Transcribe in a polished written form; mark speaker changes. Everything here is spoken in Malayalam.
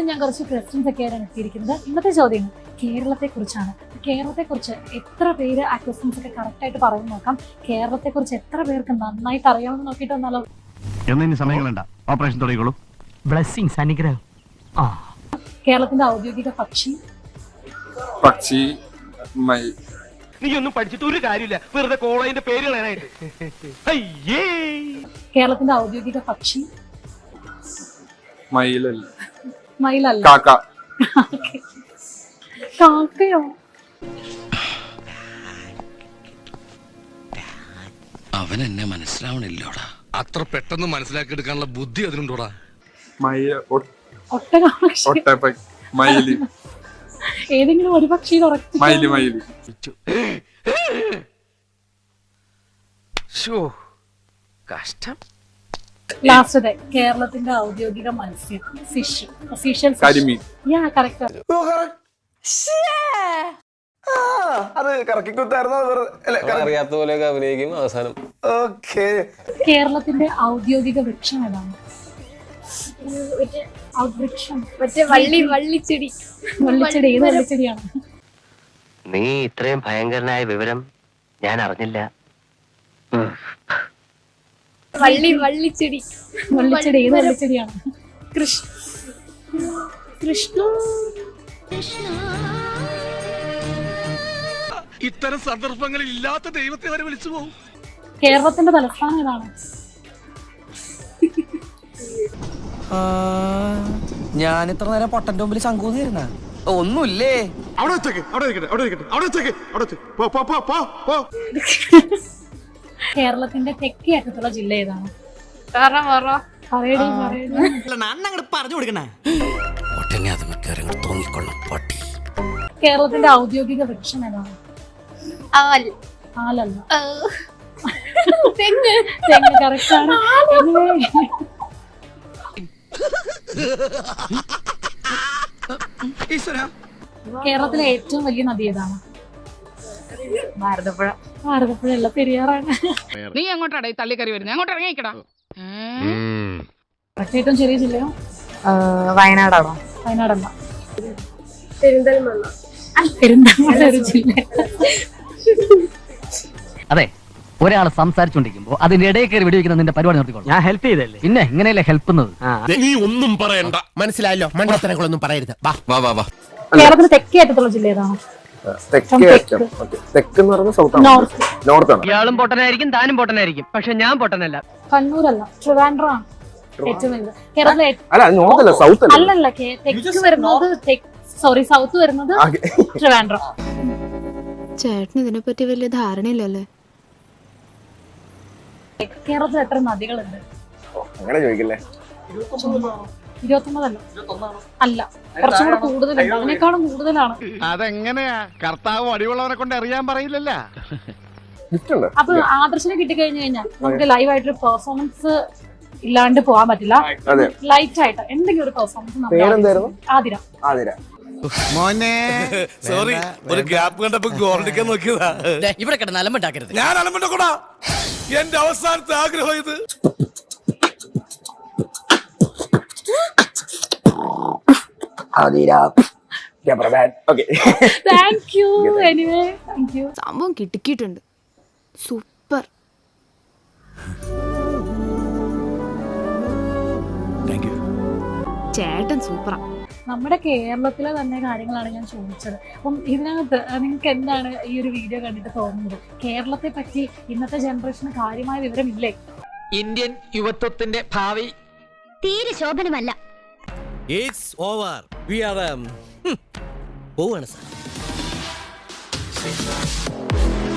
Speaker 1: ഞാൻ കുറച്ച് ക്വസ്റ്റ്യൻസ് ഒക്കെയാണ് എത്തിയിരിക്കുന്നത്. ഇന്നത്തെ ചോദ്യം കേരളത്തെക്കുറിച്ചാണ്. കേരളത്തെക്കുറിച്ച് എത്ര പേര് ആ ക്വസ്റ്റ്യൻസ് ഒക്കെ കറക്റ്റായിട്ട് പറയുന്നു നോക്കാം. കേരളത്തെക്കുറിച്ച് എത്ര പേർക്ക് നന്നായിട്ട് അറിയാമെന്ന് നോക്കിയിട്ട് വന്നാലോ?
Speaker 2: സമയങ്ങളുണ്ട ഓപ്പറേഷൻ തുടങ്ങിക്കോളൂ.
Speaker 3: ബ്ലെസ്സിങ്സ്, അനുഗ്രഹം.
Speaker 1: കേരളത്തിന്റെ ഔദ്യോഗിക പക്ഷി
Speaker 3: നീ ഒന്നും പഠിച്ചിട്ട് ഒരു കാര്യമില്ല, വെറുതെ കോളേജിന്റെ പേര് കളയാനായിട്ട്.
Speaker 1: കേരളത്തിന്റെ ഔദ്യോഗിക പക്ഷി മയിലല്ല. കാക്കയോ?
Speaker 4: അവൻ എന്നെ മനസ്സിലാവണില്ലോടാ.
Speaker 5: അത്ര പെട്ടെന്ന് മനസ്സിലാക്കി എടുക്കാനുള്ള ബുദ്ധി അതിനുണ്ടോടാ?
Speaker 1: ഏതെങ്കിലും ഒരു പക്ഷി
Speaker 3: കഷ്ടം.
Speaker 1: ലാസ്റ്റ് കേരളത്തിന്റെ ഔദ്യോഗിക മത്സ്യം ഫിഷ് ഒഫീഷ്യൽ
Speaker 6: അത് കറക്കി കുത്തായിരുന്നു. അറിയാത്ത പോലെയൊക്കെ അഭിനയിക്കും അവസാനം.
Speaker 1: കേരളത്തിന്റെ ഔദ്യോഗിക വൃക്ഷം ഏതാണ്? വള്ളിച്ചെടി. ഏത് വള്ളിച്ചെടിയാണ്?
Speaker 7: നീ ഇത്രയും ഭയങ്കരനായ വിവരം ഞാൻ അറിഞ്ഞില്ല.
Speaker 1: വള്ളിച്ചെടി. ഏത് വള്ളിച്ചെടിയാണ്? കൃഷ്ണ.
Speaker 5: ഇത്തരം സന്ദർഭങ്ങളിൽ ഇല്ലാത്ത ദൈവത്തെ വരെ വിളിച്ചു പോകും.
Speaker 1: കേരളത്തിന്റെ തലസ്ഥാനം ഏതാണ്?
Speaker 3: ഞാൻ ഇത്ര നേരം പൊട്ടന്റെ മുമ്പിൽ ശങ്കൂന്നിരുന്ന ഒന്നുമില്ലേ.
Speaker 1: കേരളത്തിന്റെ തെക്കേ അറ്റത്തുള്ള ജില്ല ഏതാണ്?
Speaker 3: പറഞ്ഞു കൊടുക്കണേ.
Speaker 1: കേരളത്തിന്റെ ഔദ്യോഗിക വൃക്ഷം ഏതാണ്? ആലല്ല. തെങ്ങ് കറക്റ്റ് ആണ്. കേരളത്തിലെ ഏറ്റവും വലിയ നദി ഏതാണ്? ഭാരതപ്പുഴ അല്ല, പെരിയാറാണ്.
Speaker 8: നീ എങ്ങോട്ടാണ് ഈ തള്ളിക്കറി വരുന്നത്? അങ്ങോട്ട് ഇറങ്ങിക്കടാ.
Speaker 1: ഏറ്റവും ചെറിയ ജില്ലയോ?
Speaker 9: വയനാടാണോ?
Speaker 1: വയനാടല്ല, പെരിന്തൽമണ്ണ ഒരു ജില്ല.
Speaker 7: അതെ, ഒരാൾ സംസാരിച്ചോണ്ടിരിക്കുമ്പോ അതിന്റെ ഇടയിൽ കയറി വെടിവെക്കുന്ന നിന്റെ പരിപാടി നിർത്തിക്കോളൂ. ഞാൻ ഹെൽപ്പ് ചെയ്തല്ലേ, പിന്നെ ഇങ്ങനെയല്ലേ ഹെൽപ്പ്.
Speaker 5: നീ ഒന്നും പറയണ്ട,
Speaker 3: മനസ്സിലായല്ലോ. മണ്ടത്തരങ്ങളൊന്നും പറയരുത്.
Speaker 1: കേരളത്തിന് തെക്കേ അറ്റത്തുള്ള ജില്ല ഏതാണ്?
Speaker 7: ഇയാളും പൊട്ടനായിരിക്കും, താനും പൊട്ടനായിരിക്കും, പക്ഷെ ഞാൻ പൊട്ടനല്ല.
Speaker 1: കണ്ണൂരല്ല, ട്രിവാൻഡ്രം ഏറ്റവും വലുത്. കേരളത്തിലെ അല്ലല്ല, തെക്ക് വരുന്നത് സൗത്ത് വരുന്നത് ട്രിവാൻഡ്രം.
Speaker 9: ചേട്ടന് ഇതിനെപ്പറ്റി വലിയ ധാരണയില്ലല്ലേ.
Speaker 1: കേരളത്തിൽ എത്ര നദികളുണ്ട്?
Speaker 6: അങ്ങനെ ചോദിക്കല്ലേ.
Speaker 1: 29 അല്ല, കുറച്ചും കൂടെ കൂടുതലുണ്ട്. അതിനേക്കാളും കൂടുതലാണ്.
Speaker 2: അതെങ്ങനെയാ? കർത്താവ് അടിയുള്ളവരെ കൊണ്ട് അറിയാൻ പറയില്ലല്ലോ.
Speaker 1: അപ്പൊ ആദർശനെ കിട്ടിക്കഴിഞ്ഞു കഴിഞ്ഞാൽ നമുക്ക് ലൈവായിട്ടൊരു പെർഫോമൻസ് ഇല്ലാണ്ട് പോകാൻ പറ്റില്ല. ലൈറ്റ് ആയിട്ട് എന്തെങ്കിലും ഒരു പെർഫോമൻസ്. ആതിര.
Speaker 5: മോനെ സോറി, ഒരു ഗ്യാപ്പ് കണ്ടപ്പോ ഗോൾഡിക്കാൻ നോക്കിയതാ.
Speaker 3: ഇവിടെ കിടന്ന് അലമ്പുണ്ടാക്കരുത്.
Speaker 5: ഞാൻ അലമ്പുണ്ടാക്കൂടാ. എന്റെ അവസാനത്തെ ആഗ്രഹം ഇത്.
Speaker 9: സംഭവം കിട്ടിക്കിട്ടുണ്ട്. സൂപ്പർ. ചേട്ടൻ സൂപ്പറാ.
Speaker 1: നമ്മുടെ കേരളത്തിലെ തന്നെ കാര്യങ്ങളാണ് ഞാൻ ചോദിച്ചത്. അപ്പം ഇതിനകത്ത് നിങ്ങൾക്ക് എന്താണ് ഈ ഒരു വീഡിയോ കണ്ടിട്ട് തോന്നുന്നത്? കേരളത്തെ പറ്റി ഇന്നത്തെ ജനറേഷന് കാര്യമായ വിവരമില്ലേ?
Speaker 3: ഇന്ത്യൻ യുവത്വത്തിന്റെ ഭാവി
Speaker 10: തീരെ ശോഭനമല്ല.
Speaker 3: It's over. വി ആർ പോവാണ് സാർ.